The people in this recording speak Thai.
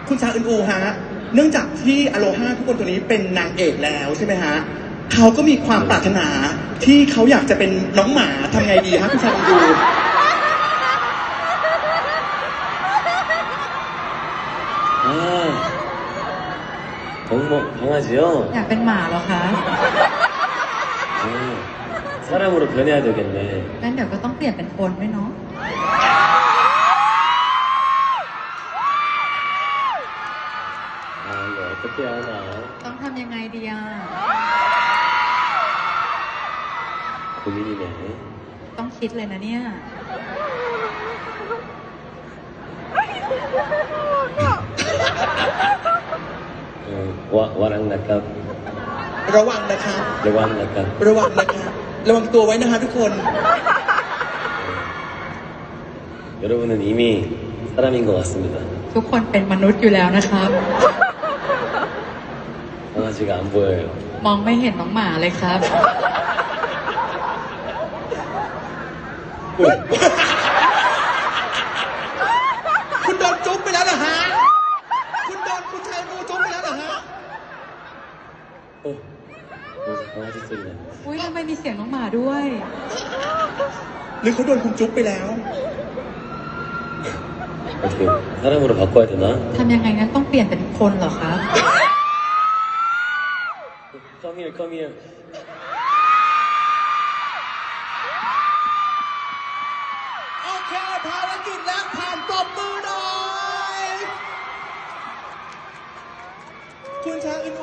คุณชาอึนอูฮะเนื่องจากที่อโลฮาทุกคนตัวนี้เป็นนางเอกแล้วใช่ไหมฮะเขาก็มีความปรารถนาที่เขาอยากจะเป็นน้องหมาทำไงดีฮะคุณชาอึนอู 강아지요? อยากเป็นหมาเหรอคะ 사람으로 변해야 되겠네. งั้นเดี๋ยวก็ต้องเปลี่ยนเป็นคนด้วยเนาะ 이거 어떻게 하나? ต้องทำยังไงดีอ่ะ 고민이네. ต้องคิดเลยนะเนี่ย 와랑 낙갑, ระวังนะครับ 레왕 낙갑. ระวังนะครับระวังตัวไว้นะฮะทุกคน 여러분은 이미 사람인 것 같습니다. ทุกคนเป็นมนุษย์อยู่แล้วนะครับ 강아지가 안 보여요. มองไม่เห็นน้องหมาเลยครับคุณโดนจุ๊บไปแล้วเหรอฮะคุณโดนคุณชายอูจุ๊บไปแล้วเหรอฮะ 무슨 강아지 소리 나. อุ้ยทำไมมีเสียงน้องหมาด้วยหรือเขาโดนคุณจุ๊บไปแล้ว 어떻게 사람으로 바꿔야 되나? ทำยังไงงั้นต้องเปลี่ยนเป็นคนเหรอครับ Come here, come here. โอเคภารกิจแรกผ่านปรบมือหน่อยคุณชาอึน